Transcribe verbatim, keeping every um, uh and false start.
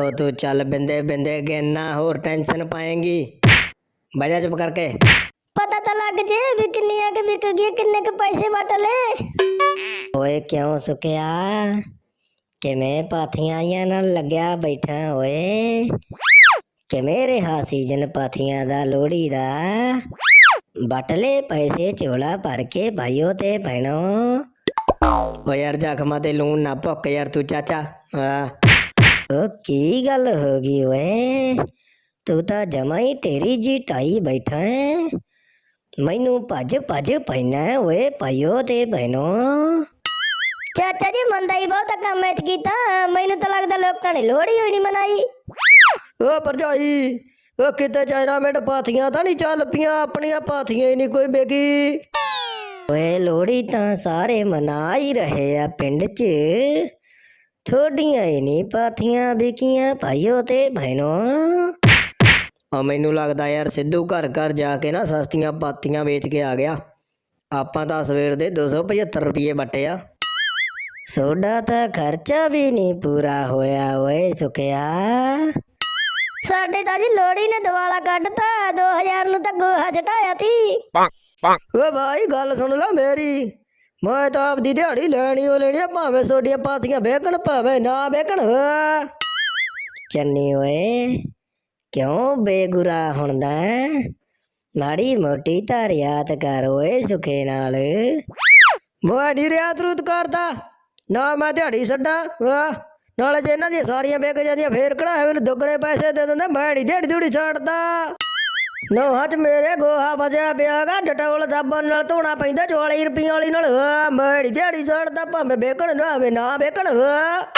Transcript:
ओ तू चल बिंदे बिंदे गिनना, होर टेंशन पाएंगी। बजा चुप करके। पता तो लग जे भी किन्नियां के बिक गई, किन्ने के पैसे बट ले। ओए क्यों सुखिया, किवें पाथियां आइयां नाल लग्या बैठा ओए? किवें रिहा सीजन पाथियां दा लोहड़ी दा? बट ले पैसे झोला भर के भाइयों ते भैनों। ओ यार जख्मा ते लून ना भुक यार तू चाचा। ओ की गल हो गई ओए, तू तो जमा ही टेरी जी ढाई बैठा है। मैनू भज भज पैना ओए भाइयों ते बहनों। चाचा जी मंदा ही बहुत काम ऐत कीता, मैनू तो लगदा लोकां ने लोहड़ी होई नहीं मनाई। ओ भरजाई, ओ किते चाइना मिंट पाथियां तां नहीं चल पियां, अपनियां पाथियां ही नहीं कोई बेगी। ओए लोहड़ी तां सारे मना ही रहे आ पिंड च, थोड़ियां ही नहीं पाथियां बिकियां भाइयों ते बहनों। मैनू लगदा यार सिद्धू घर घर जाके ना सस्तियां पाथियां बेच के आ गया। आपां तां सवेर दे दो सौ पचहत्तर रुपये बटे आ। सोडा तां खर्चा भी नहीं पूरा होया ओए सुखिया। साडे तां जी लोहड़ी ने दिवाला कढ़ता, दो हजार नू तां गोहा चढ़ाया थी। ओ भाई गल सुन ला मेरी, मैं तां आपदी दिहाड़ी लैनी ओ लेनी, भावें सोडियां पाथियां बेकण भावें ना बेकण। चन्नी ओए क्यों बेगुरा हुंदा, माड़ी मोटी तां रियात कर ओए सुखे नाल। मैं नहीं रियात रूत करदा ना, मैं दिहाड़ी छड्डा वाह, नाले जे इन्हां दियां सारियां बेक जांदियां फेर कढ़ा मैनू दुगने पैसे दे दिंदा। मैं नहीं दिहाड़ी दिहूड़ी छड्डदा। नौहां च मेरे गोहा बचया पिया गा, डटोल साबन नाल धोना पैंदा चौली रुपये वाली नाल। मैं नहीं दिहाड़ी छड्डदा, भावें बेकण ना भावें ना बेकण।